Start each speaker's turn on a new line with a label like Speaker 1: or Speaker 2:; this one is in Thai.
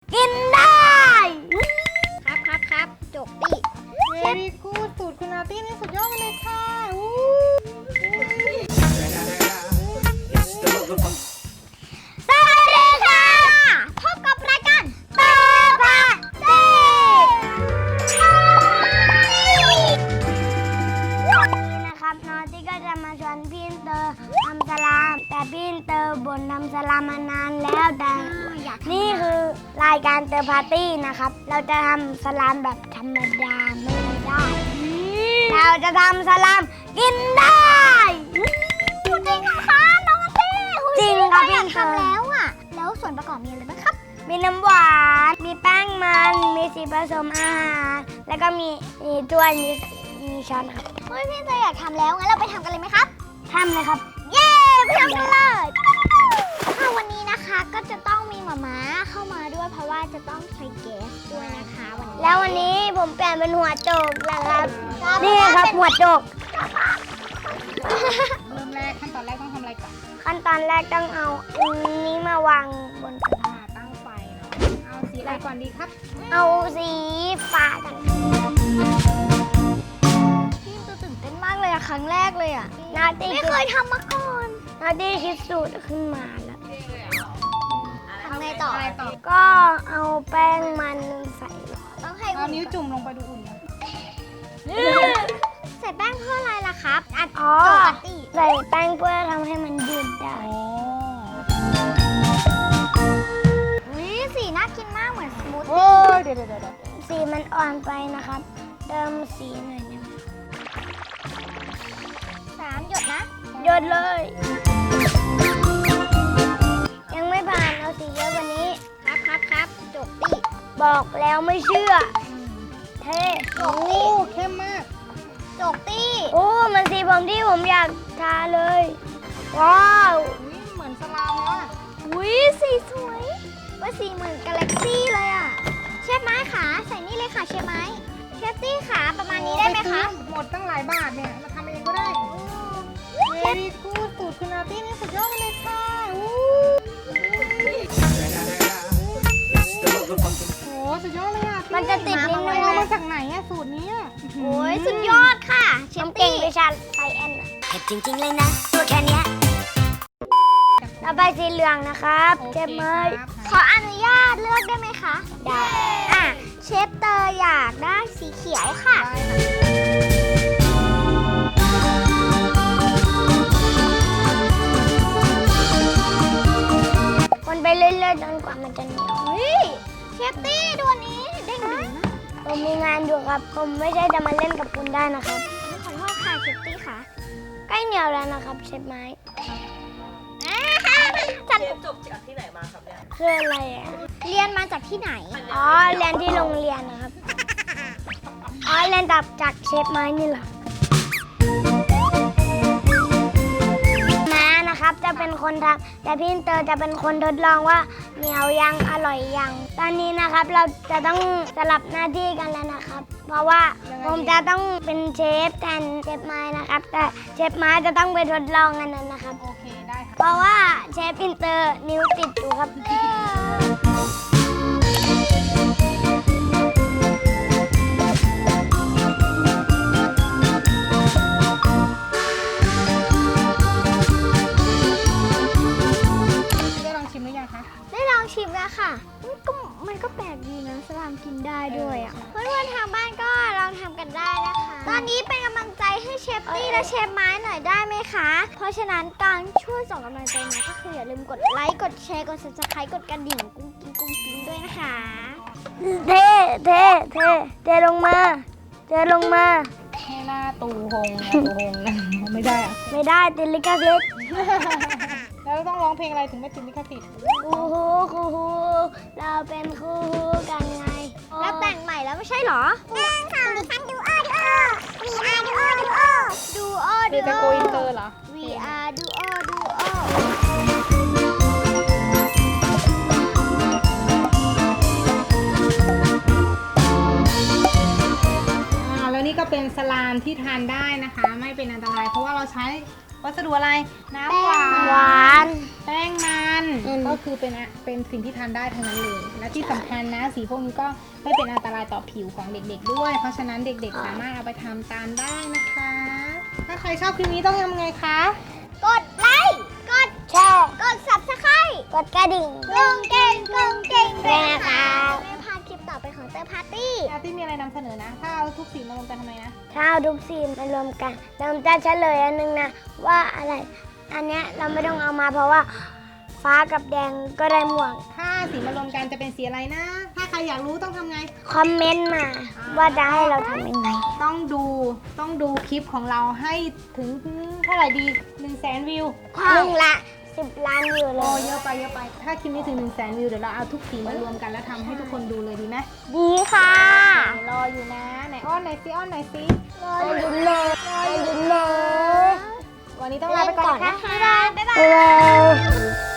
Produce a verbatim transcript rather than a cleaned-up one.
Speaker 1: กินได้ครับครับครับจบดิ
Speaker 2: เวรีกูดสูตรคุณอาร์ตี้นี่สุดยอดไปเลยค่ะอู้
Speaker 1: สวัสดีค่ะพบกับรายการเตอร์พาร์ตี้วันนี้นะครับน้องที่ก็จะมาชวนพี่เตอร์ทำสลามแต่พี่เตอร์บ่นทำสลามมานานแล้วแต่นี่คือรายการเตอร์พาร์ตี้นะครับเราจะทำสลามแบบธรรมดาไม่ได้เราจะทำสลามกินได้จริงเหรอคะน้องเต้จริงครับพี่ทำแล้วอ่ะแล้วส่วนประกอบมีอะไรบ้างครับมีน้ำหวานมีแป้งมันมีสีผสมอาหารแล้วก็มีมีถ้วยมีมีช้อนครับเฮ้ยพี่เตยอยากทำแล้วงั้นเราไปทำกันเลยไหมครับทำเลยครับเย้ไปทำกันเลยค่ะวันนี้นะคะก็จะต้องมีหม่าม้าเข้ามาด้วยเพราะว่าจะต้องใช้แก๊สด้วยนะคะวันนี้แล้ววันนี้ผมเปลี่ยนเป็นหัวโจกแล้วครับนี่ครับหัวโจก
Speaker 2: เริ่มแรกขั้นตอนแรกต้องทำอะไรก่อน
Speaker 1: ขั้นตอนแรกต้องเอาอันนี้มาวางบนกระทะ
Speaker 2: อ่าตั้งไฟเนาะเอาสีอะไรก่อนดีครับ
Speaker 1: เอาสีฟ้ากันพี่ตัวตื่นเต้นมากเลยอะครั้งแรกเลยอะนาตีไม่เคยทำมาก่อนนาตีคิดสูตรขึ้นมาแล้วทำไงต่อ
Speaker 2: อะไรต่อ
Speaker 1: ก็เอาแป้งมันใส่ต้องให้
Speaker 2: เอานิ้วจุ่มลงไปดูอุ่นนะ
Speaker 1: ใส่แป้งเพื่ออะไรล่ะครับอ๋อใส่แป้งเพื่อทำให้มันยืดได้
Speaker 2: อ๋อ
Speaker 1: วิสีน่ากินมากเหมือนสมูท
Speaker 2: โอ้ยเดี๋ยวเดี๋ยวเดี๋ยว
Speaker 1: สีมันอ่อนไปนะครับเติมสีหน่อยนะสามหยดนะหยดเลย ยังไม่ผ่านเอาสีเยอะกว่านี้ครับครับครับจบดิบอกแล้วไม่เชื่อเท่จ
Speaker 2: โอ้
Speaker 1: บดิ
Speaker 2: เข้มมาก
Speaker 1: จบดิโอ้มันสีผมที่ผมอยากทาเลยว้าว
Speaker 2: อุ๊ยเหมือนสลามเลยอ่ะ
Speaker 1: วิสีสวยว่าสีเหมือนกาแล็กซี่เลยอ่ะเชฟไม้ขาใส่นี่เลยค่ะเชฟไม้เชฟตี้ขาประมาณนี้ได้ไหมคะ
Speaker 2: หมดตั้งหลายบาทเนี่ยมาทำเองก็ได้เวรีกูดสูตรคุณอาร์ตี้นี่สุดยอดไปเลยค่ะอู้โหสุดยอดเลยอ่ะ
Speaker 1: มันจะติดลิ้น
Speaker 2: เล
Speaker 1: เลย ย
Speaker 2: เอามา
Speaker 1: นะ
Speaker 2: จากไหนอ่ะสูตรนี้อะ
Speaker 1: โอ้ยสุดยอดค่ะเชฟตี้วิชาไซแอนเผ็ดจริงๆเลยนะตัวแค่นี้ต่อไปสีเหลืองนะครับเชฟเมย์ขออนุญาตเลือกได้ไหมคะได้อ่ะเชฟเตอร์อยากได้สีเขียวค่ะ
Speaker 2: ได้ค่ะ
Speaker 1: คนไปเรื่อยๆจนกว่ามันจะเหนียวเฮ้ยเชฟตี้ดูอันนี้เด้งดึงนะผมมีงานอยู่ครับผมไม่ใช่จะมาเล่นกับคุณได้นะครับขอโทษค่ะเชฟตี้ค่ะใกล้เหนียวแล้วนะครับเชฟไม้จัน
Speaker 3: เรียนจบจากที่ไหนมาครับเนี่ย
Speaker 1: คืออะไรอ่ะเรียนมาจากที่ไหนอ๋อเรียนที่โรงเรียนนะครับอ๋อเรียนจากจากเชฟไม้นี่แหละม้านะครับจะเป็นคนทำแต่พี่เตอร์จะเป็นคนทดลองว่าเหนียวยังอร่อยยังตอนนี้นะครับเราจะต้องสลับหน้าที่กันแล้วนะครับ เพราะว่าผมจะต้องเป็นเชฟแทนเชฟไม้นะครับแต่เชฟไม้จะต้องไปทดลองอันนั้นนะครับ
Speaker 2: โอเคได้ค่ะ
Speaker 1: เพราะว่าเชฟอินเตอร์นิ้วติดอยู่ครับ
Speaker 2: ได้ลองชิมหรือยังคะ
Speaker 1: ได้ลองชิมแล้วค่ะมันก็มันก็แปลกดีนะสลามกินได้ด้วยอ่ะเพื่อนๆทางบ้านก็ลองทำกันได้นะคะตอนนี้เป็นกำลังใจให้เชฟตี้และเชฟไม้หน่อยได้ไหมคะเพราะฉะนั้นการช่วยส่งกำลังใจมาก็คืออย่าลืมกดไลค์กดแชร์กด ซับสไครบ์ กดกระดิ่งกุ้งกิ้งกุ้งกิ้งด้วยนะคะเทเทเทเทลงมาเทลงมา
Speaker 2: ให้หน้าตูหงนะตูหงนะไม่ได้อะ
Speaker 1: ไม่ได้ติดลิขสิทธิ์
Speaker 2: แล้วต้องร้องเพลงอะไรถึงไม่ติดลิขสิทธิ์
Speaker 1: คู่หูคู่หูเราเป็นคู่หูกันไงแล้วแต่งใหม่แล้วไม่ใช่เหรอหนึ่งสองดิฉันดูโอดูโอ วี อาร์ ดูโอดูโอดูโอ
Speaker 2: หรือจะโกอินเตอร์เหรอ
Speaker 1: วี อาร์ ดูโอดูโอ
Speaker 2: อ่าแล้วนี่ก็เป็นสลามที่ทานได้นะคะ ไม่เป็นอันตรายเพราะว่าเราใช้วัสดุอะไรน้ำหวาน
Speaker 1: หวาน
Speaker 2: แป้งมัน
Speaker 1: อืม
Speaker 2: ก็คือเป็นอะเป็นสิ่งที่ทานได้ทั้งนั้นเลย และที่สำคัญนะสีพวกนี้ก็ไม่เป็นอันตรายต่อผิวของเด็กๆด้วย เพราะฉะนั้นเด็กๆสามารถเอาไปทำตามได้นะคะ ถ้าใครชอบคลิปนี้ต้องทำไงคะ
Speaker 1: กดไลค์ กดแชร์ กด ซับสไครบ์ กดกระดิ่งกุ้งเก่งกุ้งเก่งด้วยนะคะไม่พลาดคลิปต่อไปของเตอร์พาร์ตี้
Speaker 2: อาร์ตี้มีอะไรนำเสนอนะ ถ้าเอาทุกสีมารวมกันทำไมนะ
Speaker 1: ถ้าเอาทุกสีมารวมกันเราจะเฉลยอันนึงนะว่าอะไร อันเนี้ยเราไม่ต้องเอามาเพราะว่าฟ้ากับแดงก็ได้หมวก
Speaker 2: ถ้าสีมารวมกันจะเป็นสีอะไรนะ ถ้าใครอยากรู้ต้องทำไง
Speaker 1: คอมเมนต์มาว่าจะให้เราทำยังไง
Speaker 2: ต้องดูต้องดูคลิปของเราให้ถึงเท่าไหร่ดี1นึ่งแสนวิว
Speaker 1: หนึ่งละสิบล้านวิวเล
Speaker 2: โอ้
Speaker 1: ย
Speaker 2: เยอะไปเยอะไป ถ้าคลิปนี้ถึง1นึ่งแสนวิวเดี๋ยวเราเอาทุกสีมารวมกันแล้วทำให้ทุกคนดูเลยดีไหม
Speaker 1: ดีค่ะ
Speaker 2: รออยู่นะไหนอ้อนไหนซิอ้อนไหนซิ
Speaker 1: รออยู่เลยรออยู่เลย
Speaker 2: วันนี้ต้องลาไปก่อนนะคะ
Speaker 1: บ๊ายบายบ๊ายบาย